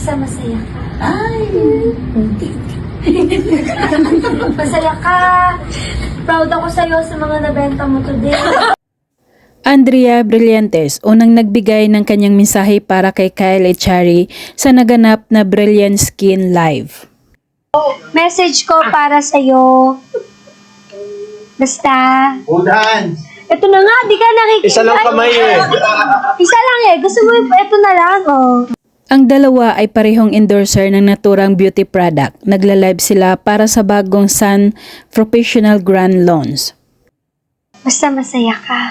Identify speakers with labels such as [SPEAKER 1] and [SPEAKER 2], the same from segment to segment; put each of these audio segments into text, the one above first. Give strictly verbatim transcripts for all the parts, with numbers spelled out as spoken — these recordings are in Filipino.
[SPEAKER 1] Basta masaya ka.
[SPEAKER 2] Ay,
[SPEAKER 1] Masaya ka. Proud ako sa'yo sa mga nabenta mo today.
[SPEAKER 3] Andrea Brillantes, unang nagbigay ng kanyang mensahe para kay Kyle Echari sa naganap na Brilliant Skin Live.
[SPEAKER 1] Message ko para sa'yo. Basta.
[SPEAKER 2] udahan.
[SPEAKER 1] Ito na nga, di ka nakikita.
[SPEAKER 4] Isa lang kamay eh.
[SPEAKER 1] Isa lang eh. Gusto mo, ito na lang, oh.
[SPEAKER 3] Ang dalawa ay parehong endorser ng naturang beauty product. Nagla-live sila para sa bagong Sun Professional Grand Lawns.
[SPEAKER 1] Basta masaya ka.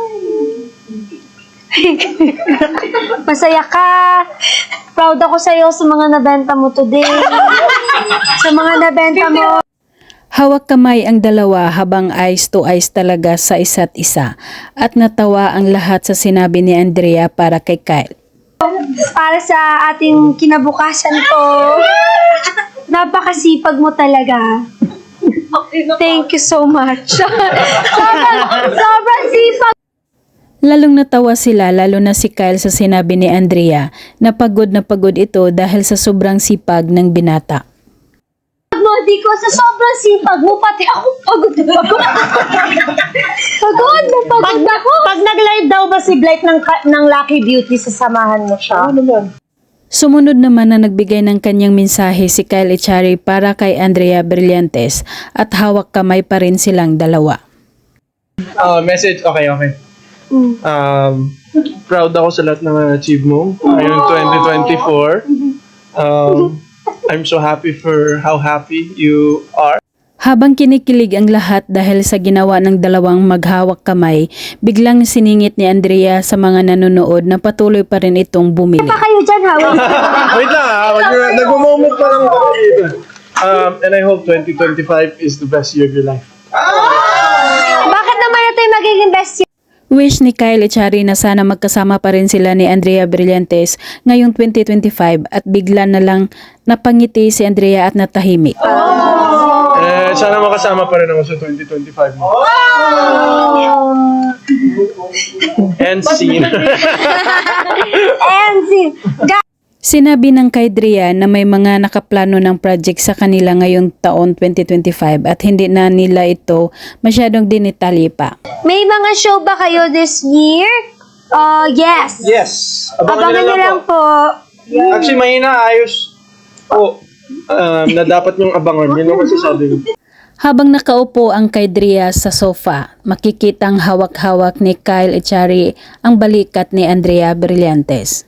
[SPEAKER 1] Masaya ka. Proud ako sa'yo sa mga nabenta mo today. Sa mga nabenta mo.
[SPEAKER 3] Hawak kamay ang dalawa habang eyes to eyes talaga sa isa't isa at natawa ang lahat sa sinabi ni Andrea para kay Kyle.
[SPEAKER 1] Para sa ating kinabukasan ko. Napakasipag mo talaga. Thank you so much. sobrang, sobrang sipag.
[SPEAKER 3] Lalong natawa sila lalo na si Kyle sa sinabi ni Andrea na pagod na pagod ito dahil sa sobrang sipag ng binata.
[SPEAKER 1] mo, di ko sa sobrang sipag mo, pati ako pagod na pagod. Pagod na pagod
[SPEAKER 5] Pag,
[SPEAKER 1] ako.
[SPEAKER 5] pag nag-live daw ba si Blake ng, ka- ng Lucky Beauty, sasamahan mo siya?
[SPEAKER 4] Ano naman?
[SPEAKER 3] Sumunod naman na nagbigay ng kanyang mensahe si Kyle Echari para kay Andrea Brillantes at hawak kamay pa rin silang dalawa.
[SPEAKER 4] Ah, message, okay, okay. Um, proud ako sa lahat ng achieve mo ngayong twenty twenty-four. Um, I'm so happy for how happy you are.
[SPEAKER 3] Habang kinikilig ang lahat dahil sa ginawa ng dalawang maghawak kamay, biglang siningit ni Andrea sa mga nanonood na patuloy pa rin itong bumili.
[SPEAKER 1] Pa kayo dyan, ha?
[SPEAKER 4] Wait lang ha, nag-moment pa lang kami dito. Um, and I hope twenty twenty-five is the best year of your life.
[SPEAKER 1] Bakit naman ito yung magiging best year?
[SPEAKER 3] Wish ni Kyle Echari na sana magkasama pa rin sila ni Andrea Brillantes ngayong twenty twenty-five at bigla na lang napangiti si Andrea at natahimik.
[SPEAKER 4] Eh, sana makasama pa rin ako sa twenty twenty-five mo. And scene.
[SPEAKER 1] And see,
[SPEAKER 3] Sinabi ng kay Drea na may mga nakaplano ng project sa kanila ngayong taon twenty twenty-five at hindi na nila ito masyadong dinitalye pa.
[SPEAKER 1] may mga show ba kayo this year? Uh, yes.
[SPEAKER 4] Yes.
[SPEAKER 1] Abangan
[SPEAKER 4] nyo
[SPEAKER 1] nyo lang po.
[SPEAKER 4] Actually, mahina ayos po um, na dapat yung abangan. Yun ang masasabi ko.
[SPEAKER 3] Habang nakaupo ang kay Drea sa sofa, makikitang hawak-hawak ni Kyle Echari ang balikat ni Andrea Brillantes.